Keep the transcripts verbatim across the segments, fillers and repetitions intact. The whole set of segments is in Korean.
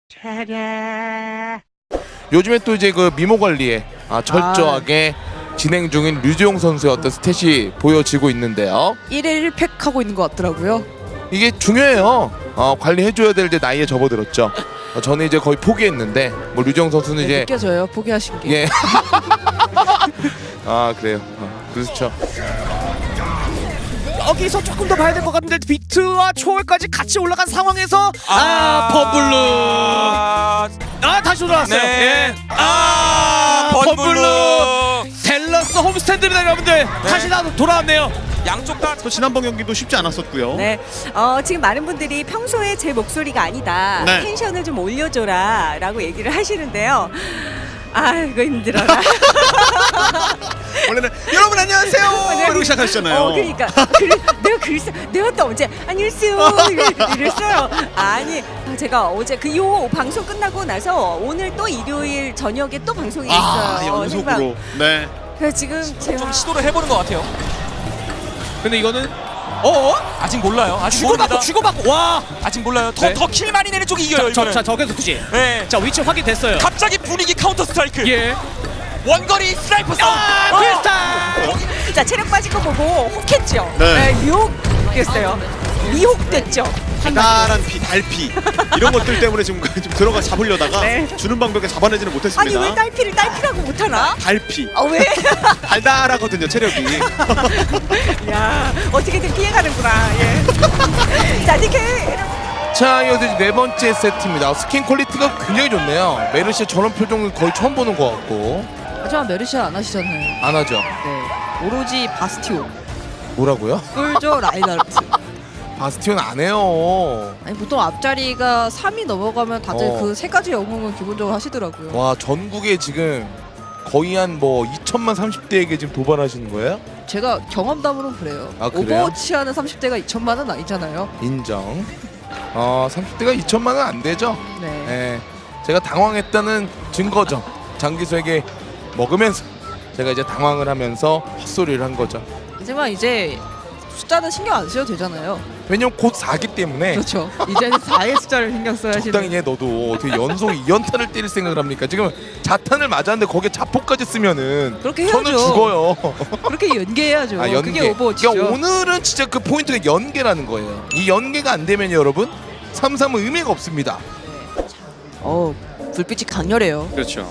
요즘에 또 이제 그 미모 관리에 아, 철저하게 아. 진행 중인 류지용 선수의 어떤 스탯이 보여지고 있는데요. 일 일 일 팩 하고 있는 것 같더라고요. 이게 중요해요. 어, 관리해줘야 될 이제 나이에 접어들었죠. 어, 저는 이제 거의 포기했는데 뭐 류지용 선수는 네, 이제 느껴져요. 포기하신 게. 예. 아 그래요. 어, 그렇죠. 여기서 조금 더 봐야 될 것 같은데 비트와 초월까지 같이 올라간 상황에서 아, 아 번블루 아 다시 돌아왔어요. 네. 예. 아, 번블루 번블루 델러스 홈스탠드입니다 여러분들. 다시 나도 돌아왔네요. 양쪽 다 또 지난번 경기도 쉽지 않았었고요. 네, 어, 지금 많은 분들이 평소에 제 목소리가 아니다. 네. 텐션을 좀 올려줘라 라고 얘기를 하시는데요. 아이고 힘들어라. 원래는 여러분 안녕하세요. 이러고 시작하시잖아요. 어, 그러니까 그래, 내가 그랬어. 내가 또 언제 안녕하세요 이랬- 이랬어요. 아니 제가 어제 그 요 방송 끝나고 나서 오늘 또 일요일 저녁에 또 방송이 아, 있어요. 연속으로. 네. 그래서 지금 제가 좀 시도를 해보는 것 같아요. 근데 이거는 어? 아직 몰라요. 아직 주고받고 모릅니다. 주고받고 와. 아직 몰라요. 더 네. 더 킬 많이 내는 쪽이 이겨요. 자, 이거는. 자, 자, 저기서 굳이. 네. 자, 위치 확인됐어요. 갑자기 분위기 카운터 스트라이크. 예. 원거리 스나이퍼 싸움. 아, 어. 크리스탈. 자 체력 빠진 거 보고 혹했죠. 네. 미혹됐어요. 미혹됐죠. 달달한 피, 달피 이런 것들 때문에 지금 좀 들어가 잡으려다가 네. 주는 방벽에 잡아내지는 아니 못했습니다. 왜 딸피를 딸피라고 못하나? 달피. 아 왜? 달달하거든요 체력이. 야 어떻게든 피해가는구나. 예. 자 니케. 자 이어서 이제 네 번째 세트입니다. 스킨 퀄리티가 굉장히 좋네요. 메르시의 저런 표정은 거의 처음 보는 것 같고. 하지만 메르시아 안 하시잖아요. 안 하죠. 네. 오로지 바스티온, 뭐라고요? 꿀조 라인하르트. 바스티온 안 해요. 아니 보통 앞자리가 삼이 넘어가면 다들 어. 그 세 가지 영웅은 기본적으로 하시더라고요. 와 전국에 지금 거의 한 뭐 이천만 삼십 대에게 지금 도발하시는 거예요? 제가 경험담으로 그래요. 아, 그래요? 오버워치 하는 삼십 대가 이천만은 아니잖아요. 인정. 어 삼십 대가 이천만 원 안 되죠. 네. 예. 제가 당황했다는 증거죠. 장기수에게 먹으면서 제가 이제 당황을 하면서 헛소리를 한 거죠. 하지만 이제 숫자는 신경 안 쓰셔도 되잖아요. 왜냐면 곧 사기 때문에 그렇죠. 이제는 사의 숫자를 신경 써야 적당히 하시는. 해. 너도 어떻게 연속 이 연타를 때릴 생각을 합니까? 지금 자탄을 맞았는데 거기에 자폭까지 쓰면은 그렇게 저는 해야죠. 죽어요. 그렇게 연계해야죠. 아 연계. 그게 오버워치죠. 그러니까 오늘은 진짜 그 포인트가 연계라는 거예요. 이 연계가 안 되면 여러분 삼 삼은 의미가 없습니다. 어 불빛이 강렬해요. 그렇죠.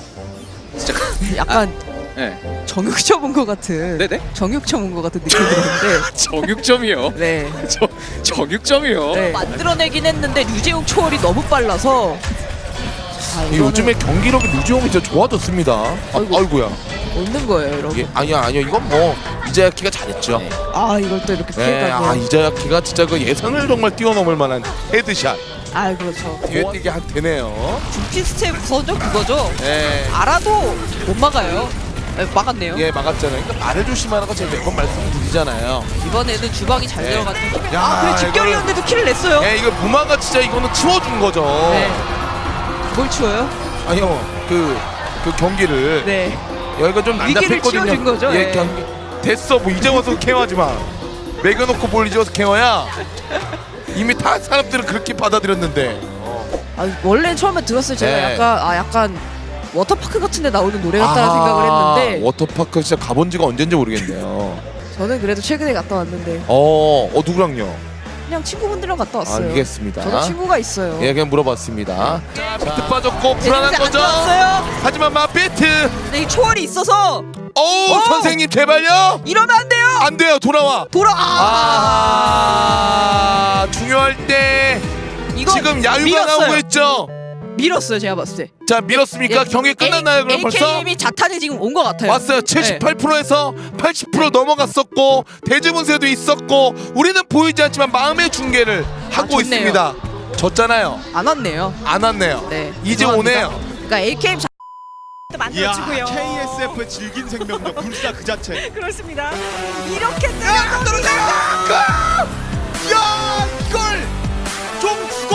약간 네. 정육점 온 것 같은. 네네. 정육점 온 것 같은 느낌이 드는데. 정육점이요. 네. 저 정육점이요. 네. 만들어내긴 했는데 류재욱 초월이 너무 빨라서. 아, 이 요즘에 경기력이 류지용이 진짜 좋아졌습니다. 아, 아이고. 아이고야. 없는 거예요, 여러분. 예, 아니야 아니야 이건 뭐 이자야키가 잘했죠. 네. 아 이걸 또 이렇게 네, 피해가고. 아 이자야키가 진짜 그 예상을 정말 뛰어넘을 만한 헤드샷 아 그렇죠. 뒤에 뛰게 한 되네요. 주피스체 무서죠 그거죠. 네. 알아도 못 막아요. 네, 막았네요. 예 막았잖아요. 그러니까 말을 조심하라고 제가 몇 번 말씀드리잖아요. 이번에는 주방이 잘 네. 들어갔죠. 야, 아 그래 집결이었는데도 킬을 냈어요. 예 이거 무마가 진짜 이거는 치워준 거죠. 네. 뭘 치워요? 아니요 그 그 경기를 네. 여기가 좀 위기를 난잡했거든요. 치워준 거죠? 예 예. 경기 됐어 뭐 이제 와서 케어하지 마. 매겨놓고 볼 이제 와서 케어야. 이미 다 사람들은 그렇게 받아들였는데. 아 원래 처음에 들었을 때 제가 네. 약간 아 약간 워터파크 같은데 나오는 노래 같다는 아하, 생각을 했는데 워터파크 진짜 가본 지가 언젠지 모르겠네요. 저는 그래도 최근에 갔다 왔는데 어, 어 누구랑요? 그냥 친구분들이랑 갔다 왔어요. 알겠습니다. 저도 친구가 있어요. 예, 그냥 물어봤습니다. 자, 비트 빠졌고 불안한 안 거죠? 좋았어요. 하지만 마비트. 근데 이 초월이 있어서 오, 어! 선생님 제발요. 이러면 안 돼요. 안 돼요. 돌아와. 돌아. 아, 아, 중요할 때 이거 지금 야유가 밀었어요. 나오고 있죠. 밀었어요 제가 봤을 때. 자, 밀었습니까? 경기 끝났나요? 그럼 벌써? 에이케이엠이 자탄이 지금 온 것 같아요. 왔어요. 칠십팔 퍼센트에서 팔십 퍼센트 넘어갔었고 대지분세도 있었고 우리는 보이지 않지만 마음의 중계를 하고 좋네요. 있습니다. 졌잖아요. 안 왔네요. 안 왔네요. 네. 이제 죄송합니다. 오네요. 그러니까 에이케이엠 자... 이야 만들어주고요. 케이에스에프의 질긴 생명력 불사 그 자체. 그렇습니다. 이렇게 야, 떨어져! 야, 골! 좀 죽어!